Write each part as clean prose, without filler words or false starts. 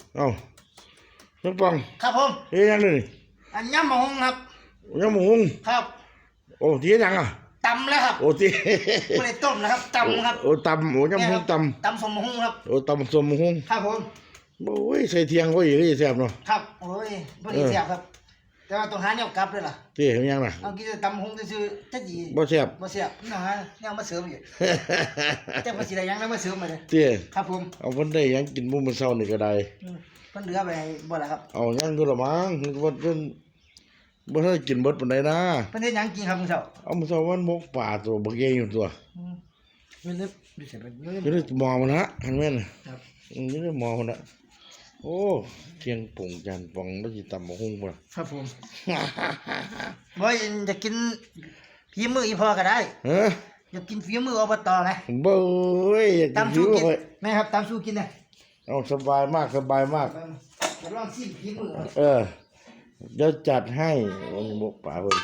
เอ้าน้องปองครับผมเฮ้ยยังเลยนี่อันย่ำมะฮงครับยังหมูหุงครับโอ้เตี้ยยังอ่ะตำแล้วครับโอ้เตี้ยไม่ได้ต้มนะครับตำครับโอ้ตำโอ้ยังหุงตตำสมมะฮงครับโอ้ตำสมหมูหุงครับผมโอ้ยใส่เทียงก็อีกนี่แซ่บเนาะครับโอ้ยพอดีเสียบครับแต่ว่าต้องหาแนวกลับด้วยล่ะเตี้ยยังน่ะเอากินแต่ตำมะฮงซื่อๆจะดีบ่แซ่บบ่เสียบนะฮะแนวมาเสริมอีกแต่บ่สิได้ยังแล้วมาเสริมมาเลยเตี้ยครับผมเอาเพิ่นได้ยังกินมื้อมื้อเช้านี่ก็ได้เพิ่นเหลือไปบ่ล่ะครับเอายังอยู่ละมั้งเพิ่นบ่ทันกินเบิดปานใดนะเพิ่นเฮ็ดหยังกินครับมื้อเช้าเอามื้อเช้ามันหมกปลาตัวบักใหญ่อยู่ตัวเพิ่นเล็บดิเสร็จเพิ่นอยู่ในหม้อมันฮะหันแม่นครับอยู่ในหม้อมันน่ะโอ้เที่ยงปุ่งจานปองแล้วสิตำบักหุ่งบ่ล่ะครับผมบ่จะกินฝีมืออีพอก็ได้ฮะอยากกินฝีมืออบตไงเบ้ยอยากกินตำสู้กินเว้ยแม่ครับตำสู้กินเลยเอาสบายมากสบายมากจะลองชิมฝีมือเดี๋ยวจัดให้หมกปลาเพิ่น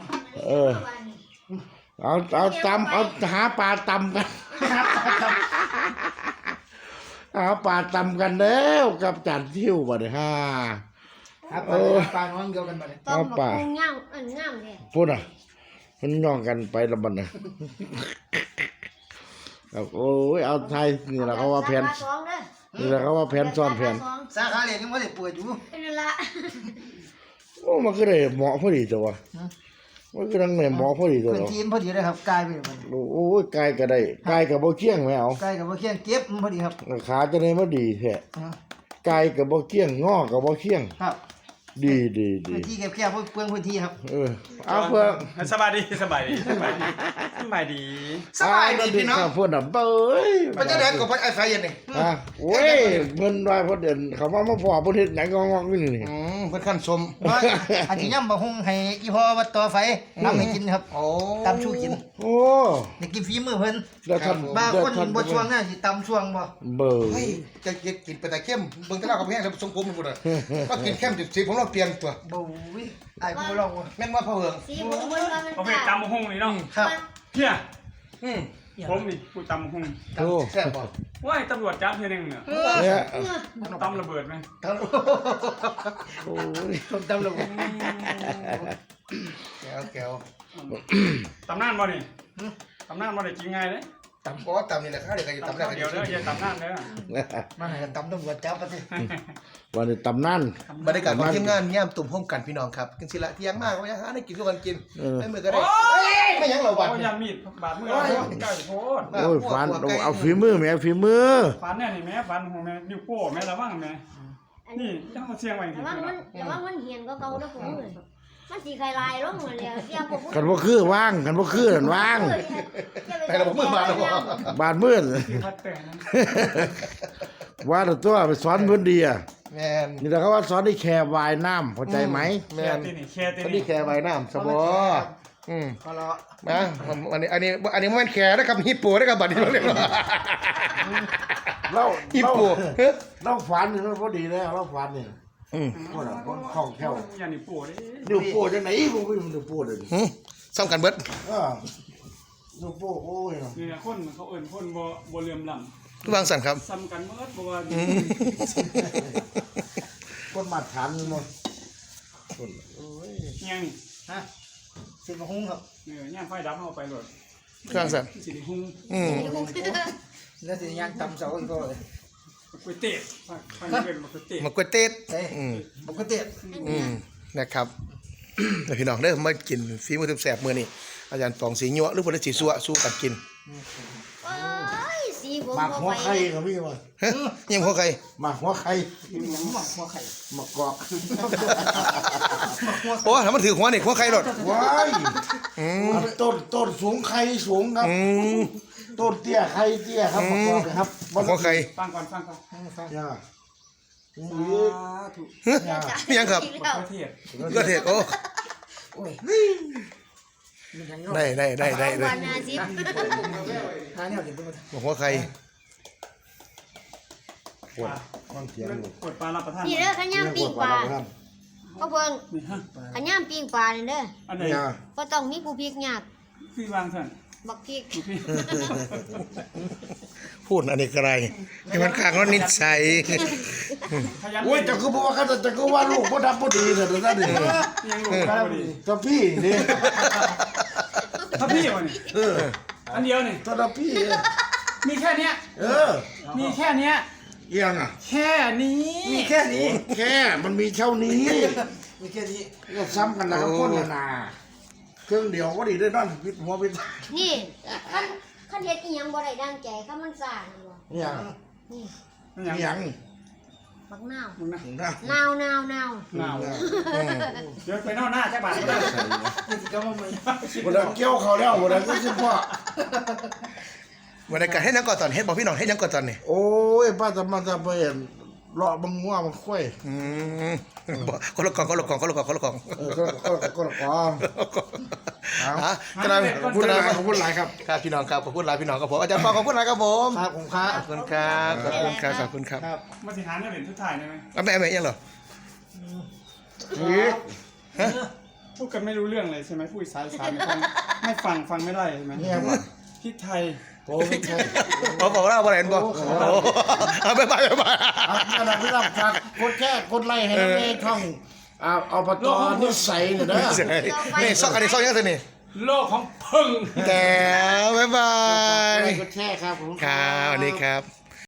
เอาตำเอาหาปลาตำกันหาปลาตำกันแล้วกับจานทิ่วบ่ได้ฮ่าปลาน้องเดียวกันบ่ได้เอาปลาย่างย่างเลยพูดอ่ะมันย่องกันไปละบัดน่ะโอ้ยเอาไทยนี่ล่ะเขาว่าแผนนี่ล่ะเขาว่าแผนซ้อนแผนสาขาเรียนยังบ่ได้เปิดอยู่นั่นล่ะโอ้มันก็ได้เหมาะพอดีตัววะมันก็ดังเนี่ยเหมาะพอดีตัวเนาะทีมพอดีเลยครับกายไปมันโอ้ยกายก็ได้กายก็บ่เคียงแม่เอากายก็บ่เคียงเก็บพอดีครับขาจะได้มาดีแท้กายก็บ่เคียงงอก็บ่เคียงครับดีพื้นที่แคบๆเปลืองพื้นที่ครับเอาเพิ่นสบายดีพี่น้องเพิ่นน่ะเบ้ยมันจะเดินกับไอ้ไฟเย็นนี่โอ้ยเพิ่นว่าเพิ่นเดินเขามาพอเพิ่นเฮ็ดหยังงอกๆอยู่นี่เพิ่นคั่นสมอันที่ย่ำบ่ฮุงให้อีพ่ออบตไฟทำให้กินครับตำชูกินโอ้ได้กินฝีมือเพิ่นบางคนบ่ช่วงน่ะสิตำช่วงบ่เบ้ยจะกินไปแต่เข้มเบิ่งตะลากับแห้งแล้วทรงผมมันบ่ได้ก็กินเข้มสิผมลองเปลี่ยนตัวบ่วิไอ้ผู้ลองแม่นว่าพ่อเหิงสีผมมันว่ามันเขาไปตำหงนี่เนาะครับเฮียผมนี่กูตำหงโอ้แซ่บบ่ว้ายตำรวจจับเธอหนึ่งเนี่ยตำระเบิดไหมโอ้ยตำระเบิดแก้วตำนานบ่นี่ตำนานบ่ได้กินง่ายเลยตำบ่ตำนี่แหละครับเดี๋ยวก็จะตำได้เดี๋ยวอย่าตำนานเด้อมาให้ตำตำรวจจับไปสิวันนี้ตำนั่นบรรยากาศของทีมงานย่ามตุ่มห้อมกันพี่น้องครับกินสิละเที่ยงมากว่ายังหาได้กินทุกวันกินไม่มือก็ได้ไม่ยังเราบาดยามีดบาดมือใกล้โพดโอ้ยฟันเอาฝีมือแม่ฝีมือฟันเนี่ยนี่แม่ฟันของแม่นิ้วโป้แม่ระวังแม่นี่ยังมาเสียงไว้แต่ว่ามันเหียนก็เก่าแล้วผมเลยมันสีไข่ลายลงมาเลยเสียผมกันบ่คือว่างกันบ่คือนั่นว่างแต่เรามือบาดแล้วบาดมือว่าตัวไปสอนเพิ่นดีอ่ะแม่นนี่แต่เขาว่าสอนที่แค่วายน้ำเข้าใจไหมแม่นคนที่แค่วายน้ำสบอขอละนะอันนี้มันแค่นะครับฮิปโปนะครับบัดนี้เราเรียกว่าเราฮิปโปเราฝันนี่มันพอดีแล้วเราฝันนี่คนละคนคล่องแคล่วอย่างนี้โป้ดินิ้วโป้จังไหนบ่มีนิ้วโป้เด้อซ้ำกันเบิดนิ้วโป้โอ้ยนี่นะคนเขาเอิ้นคนบ่เหลื่อมล้ำวางสั่นครับซ้ำกันเมิดบ่ว่าคนมาถามมั้งคนโอ้ยยังนี่ฮะสิมาหุ้งครับย่างไฟดับเอาไปโหลดเครื่องสั่นสิหุ้งแล้วสิย่างตำเสาอีกก็เลยก๋วยเตี๋ยวเป็นก๋วยเตี๋ยวก๋วยเตี๋ยวก๋วยเตี๋ยวนะครับพี่น้องเด้อมากินฝีมือแซ่บมื้อนี้อาจารย์ปองสีญัวหรือบ่ได้สีซัวสู้กันกินหมักหัวไข่ก็มีว่ายังหัวไข่หมักหัวไข่หมักหัวไข่หมักกอกโอ้ถ้ามันถือหัวนี่หัวไข่รถว้ายต้นสูงไข่สูงครับต้นเตี้ยไข่เตี้ยครับหมักกอกครับหัวไข่ฟังก่อนย่าถูกยังครับก็เทศโอ้ได้หัวไข่นี่เด้อขย้ำปิ้งปลาก็เพิ่งขย้ำปิ้งปลาเนี่ยเด้ออันไหนก็ต้องมีผู้พริกยากพี่วางสั่นบักพริกพูดอันนี้ก็ไรให้มันข้างว่านิสัยขยันโอ้ยจะคือบอกว่าเขาจะคือว่าลูกพ่อทำพ่อดีเถอะนั่นเองยังลูกครับพอดีก็พี่นี่ถ้าพี่วะนี่อันเดียวนี่ตอนพี่มีแค่เนี้ย มีแค่เนี้ยเอียงอ่ะแค่นี้มีแค่นี้แค่มันมีเท่านี้มีแค่นี้ก็ซ้ำกันนะครับพ่นนาเครื่องเดียวก็ดีด้วยนั่นพิษหัวพิษนี่คันเฮ็ดอีหยังบ่ได้ดังใจคันมันซ่านั่นบ่เนี่ยนี่ยังยังบักนาวมึงนะนะนาวหนาวเดี๋ยวไปนอกหน้าจักบาทก็ได้ก็มาไม่วันนั้นเกี่ยวเขาแล้ววันนั้นก็สิพ่อวันนี้การให้นังก่อนตอนเฮ็ดบอกพี่น้องให้นังก่อนตอนนี่โอ้ยป้าจะมาจะไปเห็นเลาะบังงัวบังควายบอกคนละกล่องคนละกล่องคนละกล่องคนละกล่องก็ละก้อนอ่ะกระดาษขอบคุณหลายขอบคุณหลายครับครับพี่น้องครับขอบคุณหลายพี่น้องครับผมอาจารย์ปอขอบคุณหลายครับผมครับผมครับขอบคุณครับขอบคุณครับขอบคุณครับมาสิหาเนี่ยเป็นทุกถ่ายได้ไหมอ่ะแม่ยังเหรอ ฮะพูดกันไม่รู้เรื่องเลยใช่ไหมพูดสายไม่ฟังไม่ได้ใช่ไหมเนี่ยว่ะพริกไทยโอ้ไม่ใช่บอกเล่าอะไรบอกเอาไปขนาดที่เราฝากคนแค่คนไล่ให้นักเล่ท่องเอาปตอนิสัยเนี่ยนะนี่ซอกอันนี้ซอกยังไงนี่โลกของพึ่งแต่บ๊ายบายคนแค่ครับผมครับวันนี้ครับ